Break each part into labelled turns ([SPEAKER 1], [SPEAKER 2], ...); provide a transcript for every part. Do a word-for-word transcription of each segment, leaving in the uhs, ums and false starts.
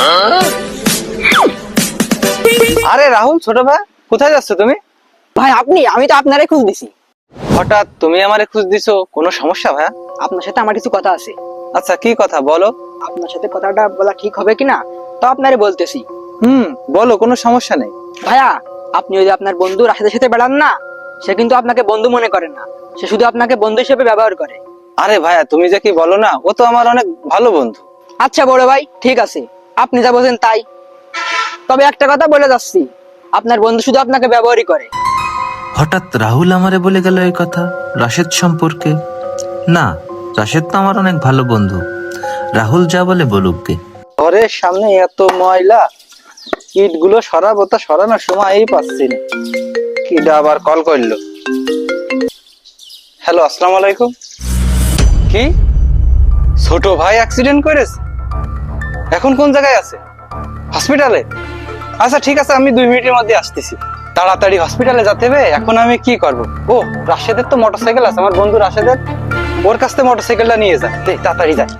[SPEAKER 1] আরে রাহুল, ছোট ভাই, কোথায় যাচ্ছ তুমি?
[SPEAKER 2] ভাই আপনি, আমি তো আপনারই খোঁজ দিছি।
[SPEAKER 1] হঠাৎ তুমি আমারে খোঁজ দিছো, কোনো সমস্যা ভাইয়া?
[SPEAKER 2] আপনার সাথে আমার কিছু কথা আছে।
[SPEAKER 1] আচ্ছা, কি কথা বলো।
[SPEAKER 2] আপনার সাথে কথাটা বলা ঠিক হবে কিনা তো আপনারে বলতেছি।
[SPEAKER 1] হুম, বলো, কোনো সমস্যা নেই।
[SPEAKER 2] ভাইয়া, আপনি ওই যে আপনার বন্ধু রাশেদের সাথে বেড়ান না, সে কিন্তু আপনাকে বন্ধু মনে করে না, সে শুধু আপনাকে বন্ধু হিসেবে ব্যবহার করে।
[SPEAKER 1] আরে ভাইয়া, তুমি যে কি বলো না, ও তো আমার অনেক ভালো বন্ধু।
[SPEAKER 2] আচ্ছা বড় ভাই, ঠিক আছে, আপনি যা বলছেন তাই। তবে একটা কথা বলে যাচ্ছি, আপনার বন্ধু শুধু আপনাকে ব্যবহারই করে।
[SPEAKER 3] হঠাৎ রাহুল আমারে বলে গেল এই কথা রাশেদ সম্পর্কে। না, রাশেদ তো আমার অনেক ভালো বন্ধু, রাহুল যা বলে বলুক গে।
[SPEAKER 1] ঘরের সামনে এত ময়লা, ইট গুলো সরাবো, তা সরানোর সময়ই পাচ্ছি না। কিডা আবার কল করলো। হ্যালো, আসসালামু আলাইকুম। কি, ছোট ভাই অ্যাক্সিডেন্ট করেছে? এখন কোন জায়গায় আছে? হসপিটালে? আচ্ছা ঠিক আছে, আমি দুই মিনিটের মধ্যে আসতেছি। তাড়াতাড়ি হসপিটালে যেতে হবে। এখন আমি কি করব? ও, রাশেদের তো মোটরসাইকেল আছে, আমার বন্ধু রাশেদের, ওর কাছ থেকে মোটরসাইকেলটা নিয়ে যায়। দে, তাড়াতাড়ি যায়।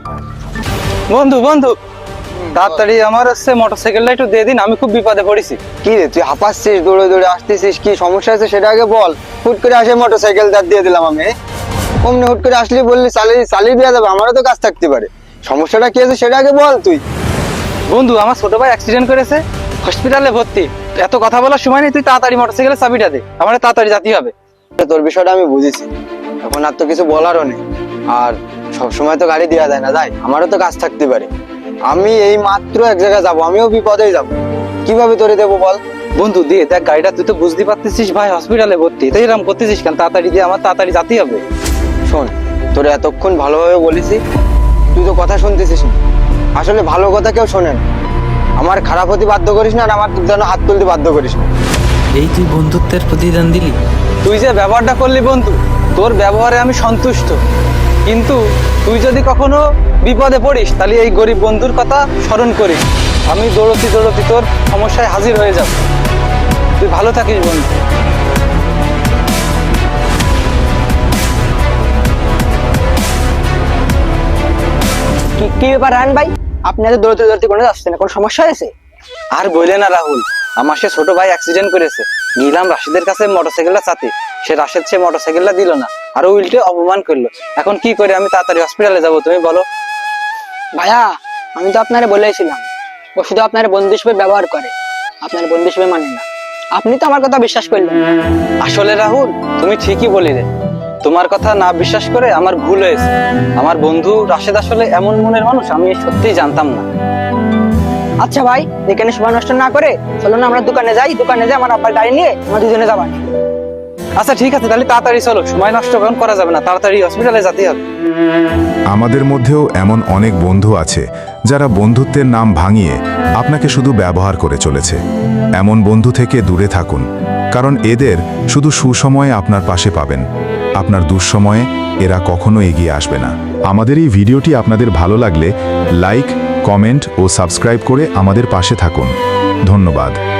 [SPEAKER 1] বন্ধু বন্ধু, তাড়াতাড়ি আমার হচ্ছে মোটরসাইকেলটা একটু দিয়ে দিন, আমি খুব বিপদে পড়েছি।
[SPEAKER 4] কি রে, তুই হাঁপাচ্ছিস, দৌড়ে দৌড়ে আসতেছিস, কি সমস্যা আছে সেটা আগে বল। হুট করে আসে মোটরসাইকেল দাঁড় দিয়ে দিলাম আমি। অমনি হুট করে আসলি, বললি চালিয়ে চালিয়ে দেওয়া যাবে, আমারও তো কাজ থাকতে পারে। সমস্যাটা কি আছে সেটা আগে বল তুই।
[SPEAKER 1] বন্ধু, আমার ছোট ভাই অ্যাক্সিডেন্ট করেছে, হসপিটালে ভর্তি। এত কথা বলার সময় নেই, তুই তাড়াতাড়ি মোটরসাইকেলের চাবিটা দে, আমার তাড়াতাড়ি যেতে হবে।
[SPEAKER 4] তোর বিষয়টা আমি বুঝেছি, এখন আর তো কিছু বলারও নেই। আর সব সময় তো গাড়ি দেওয়া যায় না, যাই, আমারও তো কাজ থাকতে পারে। আমি এই মাত্র এক জায়গায় যাবো, আমিও বিপদেই যাবো, কিভাবে তোরে দেবো বল।
[SPEAKER 1] বন্ধু দিয়ে দেখ গাড়িটা, তুই তো বুঝতে পারতেছিস ভাই হসপিটালে ভর্তি, তাই এরকম করতেছিস কেন? তাড়াতাড়ি দিয়ে, আমার তাড়াতাড়ি যেতেই হবে।
[SPEAKER 4] শোন, তোরে এতক্ষণ ভালোভাবে বলেছি, তুই তো কথা শুনতেছিস না। আসলে ভালো কথা কেউ শোনে না। আমার খারাপ হতে বাধ্য করিস না, আর আমার যেন হাত তুলতে বাধ্য করিস না।
[SPEAKER 3] এই তুই বন্ধুত্বের প্রতিদান দিলি?
[SPEAKER 1] তুই যে ব্যবহারটা করলি বন্ধু, তোর ব্যবহারে আমি সন্তুষ্ট, কিন্তু তুই যদি কখনো বিপদে পড়িস, তাহলে এই গরিব বন্ধুর কথা স্মরণ করিস। আমি দৌড়তি দৌড়তি তোর সমস্যায় হাজির হয়ে যাব। তুই ভালো থাকিস বন্ধু।
[SPEAKER 2] কি কি ব্যাপার রায়ন ভাই, আপনি এত দৌড়তে দৌড়তে করে যাচ্ছেন, কোনো সমস্যা হয়েছে?
[SPEAKER 1] আর বললে না রাহুল, আমার সে ছোট ভাই অ্যাক্সিডেন্ট করেছে। গেলাম রাশেদের কাছে মোটরসাইকেলটা চাতে, সে রাশেদ সে মোটরসাইকেলটা দিল না, আর উল্টে অপমান করলো। এখন কি করে আমি তাড়াতাড়ি হসপিটালে যাব, তুমি বলো।
[SPEAKER 2] ভাইয়া, আমি তো আপনারে বলেছিলাম, ও শুধু আপনার বন্ধু হিসেবে ব্যবহার করে, আপনার বন্ধু হিসেবে মানে না। আপনি তো আমার কথা বিশ্বাস করলেন না।
[SPEAKER 1] আসলে রাহুল, তুমি ঠিকই বলিলে, তোমার কথা না বিশ্বাস করে আমার ভুল হয়েছে। আমার বন্ধু রাশেদ আসলে এমন মনের মানুষ, আমি সত্যিই জানতাম না।
[SPEAKER 2] আচ্ছা ভাই, এখানে সময় নষ্ট না করে চলো না আমরা দোকানে যাই, দোকানে যাই আমার আব্বার গাড়ি নিয়ে আমরা দুজনে যাবা।
[SPEAKER 1] আচ্ছা ঠিক আছে, তাহলে তাড়াতাড়ি চলো, সময় নষ্ট এখন করা যাবে না, তাড়াতাড়ি হসপিটালে যেতে হবে।
[SPEAKER 5] আমাদের মধ্যেও এমন অনেক বন্ধু আছে যারা বন্ধুত্বের নাম ভাঙিয়ে আপনাকে শুধু ব্যবহার করে চলেছে। এমন বন্ধু থেকে দূরে থাকুন, কারণ এদের শুধু সুসময়ে আপনার পাশে পাবেন, আপনার দুঃসময়ে এরা কখনো এগিয়ে আসবে না। আমাদের এই ভিডিওটি আপনাদের ভালো লাগলে লাইক, কমেন্ট ও সাবস্ক্রাইব করে আমাদের পাশে থাকুন। ধন্যবাদ।